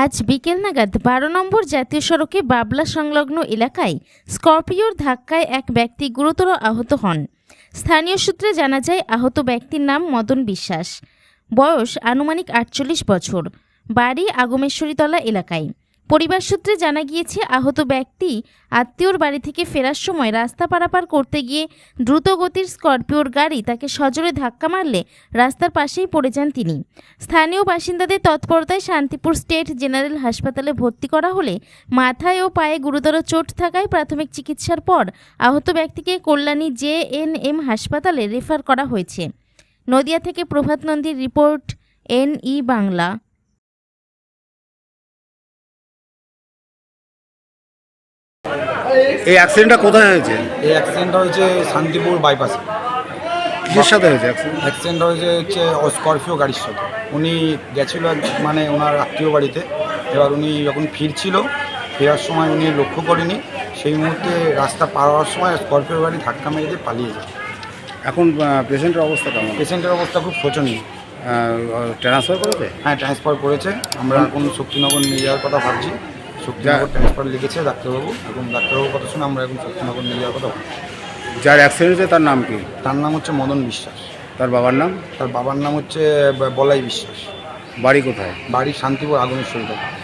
আজ বিকেল নাগাদ ১২ নম্বর জাতীয় সড়কে বাবলা সংলগ্ন এলাকায় স্করপিওর ধাক্কায় এক ব্যক্তি গুরুতর আহত হন। স্থানীয় সূত্রে জানা যায়, আহত ব্যক্তির নাম মদন বিশ্বাস, বয়স আনুমানিক ৪৮ বছর, বাড়ি আগমেশ্বরীতলা এলাকায়। পরিবার সূত্রে জানা গিয়েছে, আহত ব্যক্তি আত্মীয়র বাড়ি থেকে ফেরার সময় রাস্তা পারাপার করতে গিয়ে দ্রুতগতির স্করপিওর গাড়ি তাকে সজোরে ধাক্কা মারলে রাস্তার পাশেই পড়ে যান তিনি। স্থানীয় বাসিন্দাদের তৎপরতায় শান্তিপুর স্টেট জেনারেল হাসপাতালে ভর্তি করা হলে মাথায় ও পায়ে গুরুতর চোট থাকায় প্রাথমিক চিকিৎসার পর আহত ব্যক্তিকে কল্যাণী JNM হাসপাতালে রেফার করা হয়েছে। নদিয়া থেকে প্রভাত নন্দীর রিপোর্ট, NE বাংলা। এই অ্যাক্সিডেন্টটা কোথায় হয়েছে? এই অ্যাক্সিডেন্টটা হয়েছে শান্তিপুর বাইপাসে। কিসের সাথে হয়েছে অ্যাক্সিডেন্টটা হয়েছে স্করপিও গাড়ির সাথে। উনি গেছিলো মানে ওনার আত্মীয় বাড়িতে। এবার উনি যখন ফেরার সময় উনি লক্ষ্য করেনি, সেই মুহূর্তে রাস্তা পার হওয়ার সময় স্করপিও গাড়ি ধাক্কা মেরে দিয়ে পালিয়ে যায়। এখন পেশেন্টের অবস্থা কেমন? পেশেন্টের অবস্থা খুব শোচনীয়। ট্রান্সফার করেছে? হ্যাঁ, ট্রান্সফার করেছে। আমরা এখন শক্তিনগর নিয়ে যাওয়ার কথা ভাবছি। শক্তিনগর ট্রান্সফার লিখেছে ডাক্তারবাবু, এবং ডাক্তারবাবুর কথা শুনে আমরা এখন শক্তিনগর নিয়ে যাওয়ার কথা ভাবছি। যার অ্যাক্সিডেন্ট হয়েছে তার নাম কি? তার নাম হচ্ছে মদন বিশ্বাস। তার বাবার নাম? তার বাবার নাম হচ্ছে বলাই বিশ্বাস। বাড়ি কোথায়? বাড়ি শান্তিপুর আগমেশ্বরীতলা।